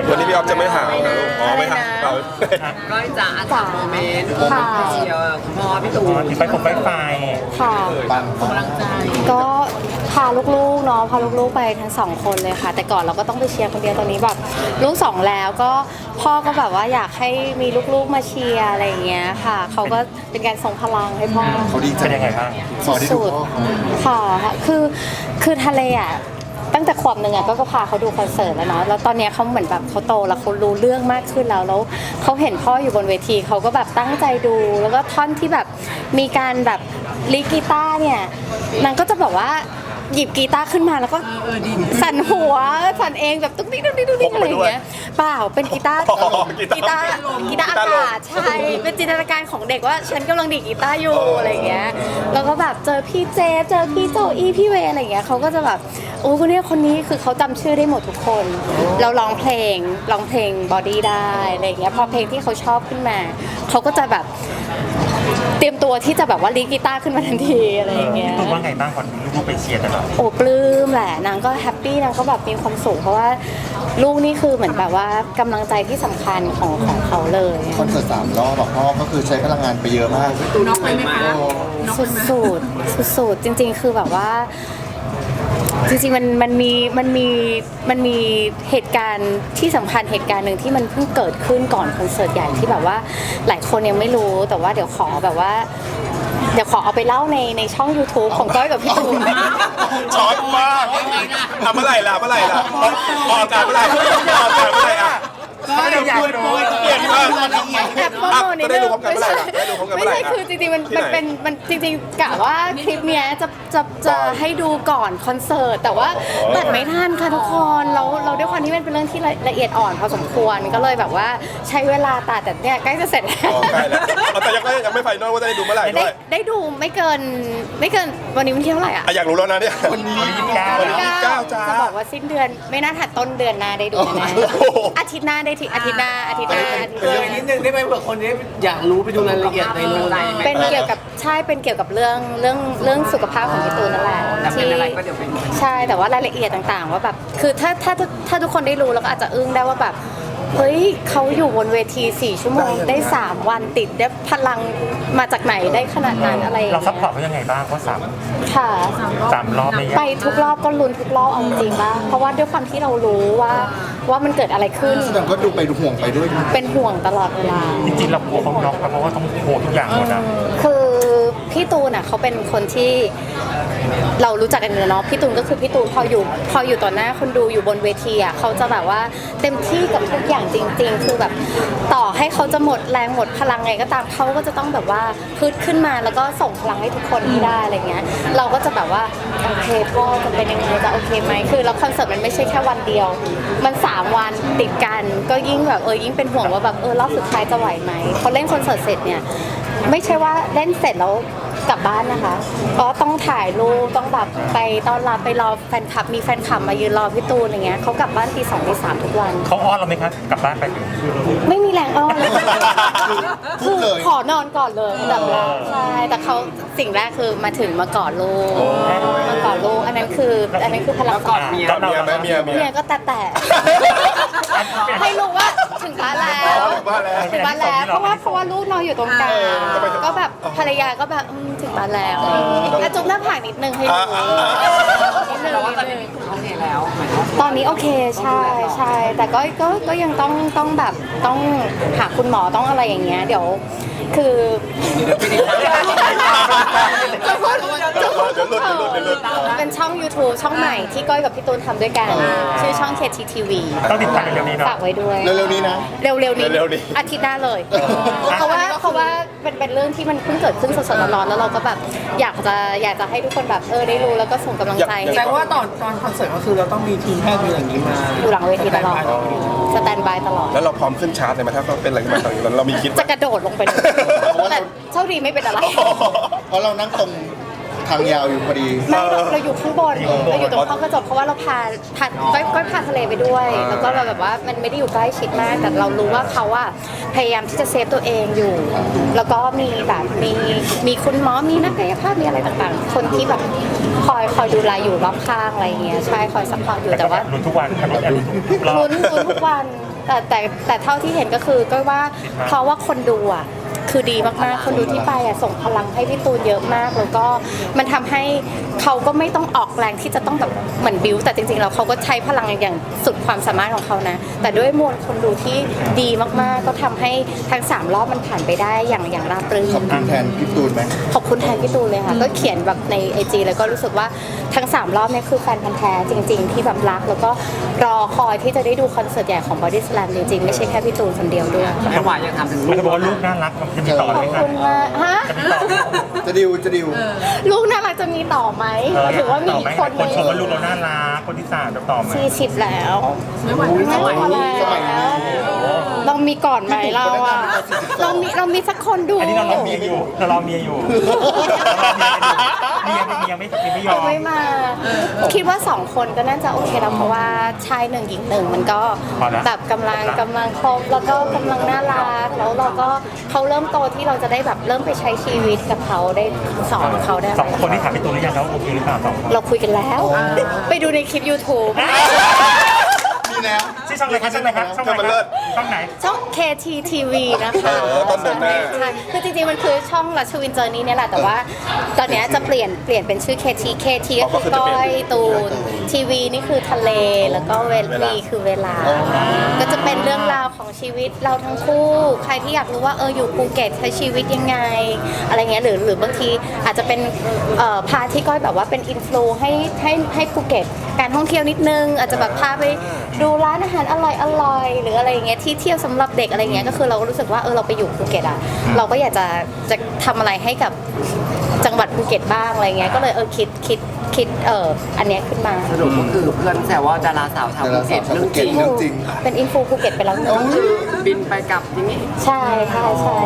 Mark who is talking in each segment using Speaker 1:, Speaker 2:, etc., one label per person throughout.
Speaker 1: วันนี้พี่ออฟจะไม่หาวนะลูกอ๋อไม่หาวเรา
Speaker 2: ก้อยจ๋าสามโมเมนต์เชียร์คุณพ่อพี่ตูน
Speaker 3: ที่ไปผมไปไฟ
Speaker 4: ค่ะ
Speaker 2: กำลังใจ
Speaker 4: ก็พาลูกๆเนาะพาลูกๆไปทั้งสองคนเลยค่ะแต่ก่อนเราก็ต้องไปเชียร์คนเดียวตอนนี้แบบลูกสองแล้วก็พ่อก็แบบว่าอยากให้มีลูกๆมาเชียร์อะไรอย่างเงี้ยค่ะเขาก็เป็นการส่งพลังให้พ่อ
Speaker 5: เขาดีใจ
Speaker 3: เป็นยังไงบ้าง
Speaker 5: พอได้ดู
Speaker 4: สุด
Speaker 5: พ่อ
Speaker 4: ๆค่ะคือทะเลอ่ะตั้งแต่ขวบหนึ่งอ่ะก็พาเขาดูคอนเสิร์ตแล้วเนาะแล้วตอนเนี้ยเขาเหมือนแบบเขาโตแล้วเขารู้เรื่องมากขึ้นแล้วเขาเห็นพ่ออยู่บนเวทีเขาก็แบบตั้งใจดูแล้วก็ท่อนที่แบบมีการแบบลีดกีตาร์เนี่ยนางก็จะแบบว่าหยิบกีตาร์ขึ้นมาแล้วก็สั่นหัวสั่นเองแบบตุ๊กติ๊กตุ๊กติ๊กตุ๊กติ๊กอะไรอย่างเงี้ยเปล่าเป็นกีตาร์
Speaker 1: อ๋อกีตาร์
Speaker 4: อากาศใช่เป็นจินตนาการของเด็กว่าฉันกำลังดีดกีตาร์อยู่อะไรอย่างเงี้ยแล้วก็แบบเจอพี่เจฟเจอพี่โจอี้พี่เวอะไรอย่างเงี้ยเขาก็จะแบบโอ้คนนี้คือเขาจำชื่อได้หมดทุกคนเราร้องเพลงบอดี้ได้อะไรอย่างเงี้ยพอเพลงที่เขาชอบขึ้นมาเขาก็จะแบบเตรียมตัวที่จะแบบว่าลีดกีตาร์ขึ้นมาทันทีอะไรอย่างเงี้ย
Speaker 3: พี่ตูนว่าไงบ้างก่อนลูกๆไปเชียร์ตลอด
Speaker 4: โอ้ปลื้มแหละนางก็แฮปปี้นางก็แบบมีความสุขเพราะว่าลูกนี่คือเหมือนแบบว่ากำลังใจที่สำคัญของเขาเลย
Speaker 5: คอนเสิร์ต3 รอบบอกพ่อก็คือใช้พลังงานไปเยอะมาก
Speaker 2: ตูน็อกเลยไหมคะ
Speaker 4: สุดจริงๆคือแบบว่าจริงๆมันมีเหตุการณ์ที่สำคัญเหตุการณ์หนึ่งที่มันเพิ่งเกิดขึ้นก่อนคอนเสิร์ตใหญ่ที่แบบว่าหลายคนยังไม่รู้แต่ว่าเดี๋ยวขอเอาไปเล่าในช่อง YouTube ของก้อยกับพี่ตูน
Speaker 1: ช็อตมากทำเมื่อไหร่ล่ะออกอากาศเมื่อไหร่อ่ะ
Speaker 3: ก็อยากรู้
Speaker 1: เปลี่ยนมาก
Speaker 4: แอบโปรโมทนิด
Speaker 1: จะได้
Speaker 4: นึ
Speaker 1: รู้
Speaker 4: ง
Speaker 1: พร้อมกันเมื่อไหร่ล่ะได้รู้พร้อมกันเมื่อไหร่
Speaker 4: ไม่ใช่คือจริงๆมันจริงๆกะว่าคลิปเนี้ยจะให้ดูก่อนคอนเสิร์ตแต่ว่าตัดไม่ทันค่ะทุกคนเราด้วยความที่มันเป็นเรื่องที่ละเอียดอ่อนพอสมควรก็เลยแบบว่าใช้เวลาตัดแต่เนี่ยใกล้จะเสร็จแล้ว
Speaker 1: อ๋อใกล้แล้วแต่ยังไม่ไฟนอลว่าจะได้ดูเมื่อไหร่ด้วย
Speaker 4: ได้ดูไม่เกินวันนี้วันที่เท่าไหร่อ่ะ
Speaker 1: อ่ะอยากรู้แล้วนะเนี่ย
Speaker 5: วันนี้
Speaker 1: วันที่29จ้า
Speaker 4: จะบอกว่าสิ้นเดือนไม่น่าถัดต้นเดือนหน้าได้ดูแน่
Speaker 1: โอ้โห
Speaker 4: อาทิตย์หน้าได้ทีอาทิตย์หน้า
Speaker 2: เกินนิดนึงได้ไหมเผื่อคนนี้อยากรู้ไปดูรายละเอียดในนู้น
Speaker 4: เป็นเกี่ยวกับเรื่องสุขภาพของพี่ตูนนั่นแหละ
Speaker 2: แต่เป็นอะไรก็เดี๋ยวไปดู
Speaker 4: ใช่แต่ว่ารายละเอียดต่างๆว่าแบบคือถ้าทุกคนได้รู้แล้วก็อาจจะอึ้งได้ว่าแบบเฮ้ยเขาอยู่บนเวที4 ชั่วโมงได้3 วันติดได้พลังมาจากไหนได้ขนาดนั้นอะไรอย่าง
Speaker 3: เราซัพ
Speaker 4: เงี้
Speaker 3: พอร์ตเขายังไงบ้างเพราะ
Speaker 4: ค่ะ
Speaker 3: สามรอบใน
Speaker 4: ไปทุกรอบก็ลุ้นทุกรอบเอาจริงๆป่ะเพราะว่าด้วยความที่เรารู้ว่ามันเกิดอะไรขึ้น
Speaker 5: แสดงก็ดูไปดูห่วงไปด้วย
Speaker 4: เป็นห่วงตลอดเวลา
Speaker 3: จริงๆเรากลัวเขาน็อกเพราะว่าต้องโคทุกอย่างหมดนะ
Speaker 4: คือพี่ตูนอ่ะเขาเป็นคนที่เรารู้จักกันอยู่แล้วเนาะพี่ตูนก็คือพี่ตูนพออยู่ต่อหน้าคนดูอยู่บนเวทีอ่ะเขาจะแบบว่าเต็มที่กับทุกอย่างจริง ๆ คือแบบต่อให้เขาจะหมดแรงหมดพลังไงก็ตามเขาก็จะต้องแบบว่าพึดขึ้นมาแล้วก็ส่งพลังให้ทุกคนที่ได้อะไรเงี้ยเราก็จะแบบว่าโอเคพ่อจะเป็นยังไงจะโอเคไหมคือแล้วคอนเสิร์ตมันไม่ใช่แค่วันเดียวมัน3 วันติดกันก็ยิ่งแบบยิ่งเป็นห่วงว่าแบบรอบสุดท้ายจะไหวไหมพอเล่นคอนเสิร์ตเสร็จเนี่ยไม่ใช่ว่าเล่นเสร็จแล้วกลับบ้านนะคะก็ต้องถ่ายรูปต้องแบบไปต้อนรับไปรอแฟนคลับมีแฟนคลับมายืนรอพี่ตูนอย่างเงี้ยเขากลับบ้านตี 2ตี 3ทุกวัน
Speaker 3: เขาอ้อนเราไหมครับกลับบ้านไปถึง
Speaker 4: ไม่มีแรงอ้อนเลย
Speaker 5: พูดเลย
Speaker 4: ขอนอนก่อนเลยแบบแรกใช่แต่เขาสิ่งแรกคือมาถึงมากอดลูกอันนั้นคือพลัง
Speaker 2: กอดเมีย
Speaker 1: กับเมียไหมเมีย
Speaker 4: เมียก็แต่ให้รู้ว่าถึงบ้านแล้ว ถึงบ้านแล้วเพราะว่าลูกนอนอยู่ตรงกลางก็แบบภรรยาก็แบบถึงบ้านแล้วแล้วจุ๊บหน้าผากนิดนึงให้ดูนิดนึง
Speaker 2: แต่ว่าตอนนี้พี่ตูนโอเคแล้วหมายถึงว่า
Speaker 4: ตอนนี้โอเคใช่แต่ก็ยังต้องแบบต้องหาคุณหมอต้องอะไรอย่างเงี้ยเดี๋ยวคือจะพูดเป็นช่อง YouTube ช่องใหม่ที่ก้อยกับพี่ตูนทำด้วยกันชื่อช่อง KTTV
Speaker 3: ต้องติดตามเร็วๆนี้เนาะ
Speaker 4: ฝากไว้ด้วย
Speaker 5: เร็วๆนี้นะ
Speaker 4: เร็วๆนี้อาทิตย์หน้าเลย เพราะว่าเป็นเรื่องที่มันเพิ่งเกิดขึ้นสดๆร้อนๆแล้วเราก็แบบอยากจะให้ทุกคนแบบได้รู้แล้วก็ส่งกำลังใจให้
Speaker 2: แสดงว่าตอนคอนเสิร์ตก็คือเราต้องมีทีมแพทย์มีอย่างนี้มา
Speaker 4: อยู่หลังเวทีตลอดสแตนบายตลอด
Speaker 1: แล้วเราพร้อมขึ้นชาร์จเลยไหมถ้าเป็นอะไรขึ้นมาตอนนี้เรามีคิดไหม
Speaker 4: จะกระโดดลงไปเลยแต่โชคดีไม่เป็นอะไร
Speaker 5: เพราะเรานั่งตรงทางยาวอยู่พอดี
Speaker 4: ไม่เราอยู่ข้างบนเราอยู่ตรงห้องกระจกเพราะว่าเราพาก้อยพาทะเลไปด้วย แล้วก็เราแบบว่ามันไม่ได้อยู่ใกล้ชิดมาก แต่เรารู้ว่าเขาอะพยายามที่จะเซฟตัวเองอยู่ แล้วก็มีแบบมีคุณหมอมีนักกายภาพมีอะไรต่างๆ คนที่แบบคอยดูแลอยู่รอบข้างอะไรอย่างเงี้ยใช่คอยซัพพอร์ตอยู่แต่ว่า
Speaker 3: ลุ้นทุกวันครับลุ้นทุกรอบ
Speaker 4: ลุ้นทุกวันแต่เท่าที่เห็นก็คือก็ว่าเพราะว่าคนดูอ่ะคือดีมากๆคนดูที่ไปอ่ะส่งพลังให้พี่ตูนเยอะมากแล้วก็มันทำให้เขาก็ไม่ต้องออกแรงที่จะต้องแบบเหมือนบิวแต่จริงๆแล้วเขาก็ใช้พลังอย่างสุดความสามารถของเขานะแต่ด้วยมวลคนดูที่ดีมากๆก็ทำให้ทั้ง3รอบมันผ่านไปได้อย่างราบรื่น
Speaker 5: ขอบคุณแทนพี่ตูนไหม
Speaker 4: ขอบคุณแทนพี่ตูนเลยค่ะก็เขียนแบบใน IG แล้วก็รู้สึกว่าทั้ง3รอบเนี่ยคือแฟนพันธ์แท้จริง ๆ ที่แบบรักแล้วก็รอคอยที่จะได้ดูคอนเสิร์ตใหญ่ของ Body Slam จริงๆไม่ใช่แค่พี่ตูนคนเดียวด้วย
Speaker 2: แม่หวานยังทำถึง
Speaker 3: มันจะบอกว่าลูกน่ารักมันจะมีต่อ
Speaker 4: ข
Speaker 3: ไห
Speaker 4: อ
Speaker 3: ม
Speaker 4: บ
Speaker 3: ครับ
Speaker 4: คุณมากฮะ
Speaker 5: จะดิว
Speaker 4: ลูกน่ารักจะมีต่อไหมหรือว่ามี
Speaker 3: ต่อ
Speaker 4: อี
Speaker 3: ไหม
Speaker 4: กคนห
Speaker 3: ค
Speaker 4: นึ
Speaker 3: น
Speaker 4: ง
Speaker 3: ชมว่าลูกเราน่ารักคนที่3จะต่อไหม
Speaker 4: 40แล้วไม่ไหว
Speaker 5: สมัยนี้
Speaker 4: เรามีก่อนไหมเราอะเรามีสักคนดู
Speaker 3: อันนี้เรารอเมียอยู่เรารอเมียอยู่เมียไม่ยอม
Speaker 4: ไม่มา คิดว่า2คนก็น่าจะโอเคแล้วเพราะว่าชาย1หญิง1มันก็
Speaker 3: พอแล้ว
Speaker 4: แบบกำลังครบแล้วก็กำลังน่ารักแล้วเราก็เขาเริ่มโตที่เราจะได้แบบเริ่มไปใช้ชีวิตกับเขาได้สอนเขาได้
Speaker 3: 2 คนที่ถามพี่ตูนหรือยังแล้วโอเคหรือเปล่า2 คน
Speaker 4: เราคุยกันแล้ว ไปดูในคลิป YouTube
Speaker 5: มีแล้ว
Speaker 3: ชื่อช่องอะไรครับช่องไหนครับช่องไหนครับช่องไหน
Speaker 4: ช่อง KTTV นะคะ
Speaker 1: ต้นเดือนหน้า
Speaker 4: ใช่คือจริงๆมันคือช่องรัชวินเจอร์นี่เนี่ยแหละแต่ว่าตอนเนี้ยจะเปลี่ยนเป็นชื่อ KT ก็คือก้อยตูนทีวีนี่คือทะเลแล้วก็วีคือเวลา ก็จะเป็นเรื่องราวของชีวิตเราทั้งคู่ ใครที่อยากรู้ว่าอยู่ภูเก็ตใช้ชีวิตยังไงอะไรเงี้ยหรือบางทีอาจจะเป็นพาที่ก้อยแบบว่าเป็นอินฟลูให้ภูเก็ตการท่องเที่ยวนิดนึงอาจจะแบบพาไปดูร้านอาหารอร่อยหรืออะไรอย่างเงี้ยที่เที่ยวสำหรับเด็กอะไรเงี้ยก็คือเราก็รู้สึกว่าเราไปอยู่ภูเก็ตอ่ะเราก็อยากจะทำอะไรให้กับจังหวัดภูเก็ตบ้างอะไรเงี้ยก็เลยคิดอันเนี้ยขึ้นมา
Speaker 2: สรุปก็คือเพื่อนแซวว่าดาราสาวชาวภูเก็ตเรื่องจริง
Speaker 5: เรื่องจริง
Speaker 4: เป็นอินฟูภูเก็ตไปแล้วหนึ่ง
Speaker 2: บินไปกลับอย่างนี้
Speaker 4: ใช่ค่ะ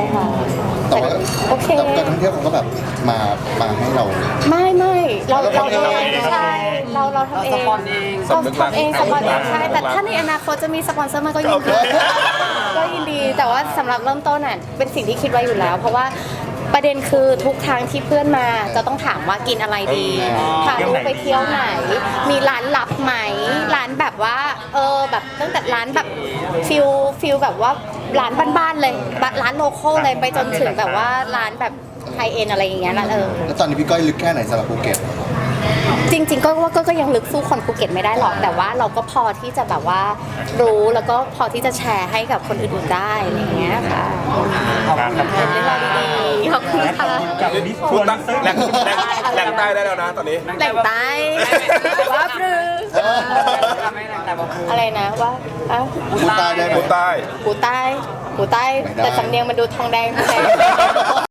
Speaker 5: แต่ว่า
Speaker 4: โอเค
Speaker 5: แต่ท่องเที่ยวเขาก็แบบมาให้เรา
Speaker 4: ไม่เรา
Speaker 5: เราทำเอง
Speaker 4: ใช่เราทำเอง
Speaker 2: สปอนเอง
Speaker 4: เราทำเองสปอนเองใช่แต่ถ้าในอนาคตจะมีสปอนเซอร์มาก็ยินดีก็ยินดีแต่ว่าสำหรับเริ่มต้นน่ะเป็นสิ่งที่คิดไว้อยู่แล้ว เพราะว่าประเด็นคือทุกครั้งที่เพื่อนมาจะต้องถามว่ากินอะไรดีพาลูกไปเที่ยวไหน มีร้านลับไหมร้านแบบว่าแบบตั้งแต่ร้านแบบฟิลแบบว่าร้านบ้านๆเลยร้านโลคอลเลยไปจนถึงแบบว่าร้านแบบไฮเอ็นอะไรอย่างเงี้ยแล้ว
Speaker 5: แล้วตอนนี้พี่ก้อยลึกแค่ไหนสำหรับภูเก็ต
Speaker 4: จริงๆก็ยังลึกสู้คนภูเก็ตไม่ได้หรอกแต่ว่าเราก็พอที่จะแบบว่ารู้แล้วก็พอที่จะแชร์ให้กับคนอื่นๆได้อะไรอย่างเงี้ยค่ะ
Speaker 3: ขอบคุณครับ
Speaker 4: เรื่องราวดีๆขอบคุณค่ะ
Speaker 3: กับมิส
Speaker 1: พู
Speaker 3: ทั
Speaker 1: ด
Speaker 3: วร์
Speaker 1: แหล่งใต้ได้แล้วนะตอนนี้
Speaker 4: แหล่งใต้ว่าปรือ
Speaker 2: ไม่แต่ว่า
Speaker 4: อะไรนะว่าอ้าว
Speaker 5: พูดใต้ได้ไหม
Speaker 1: พูดใต้
Speaker 4: หูใต้แต่สำเนียงมันดูทองแดง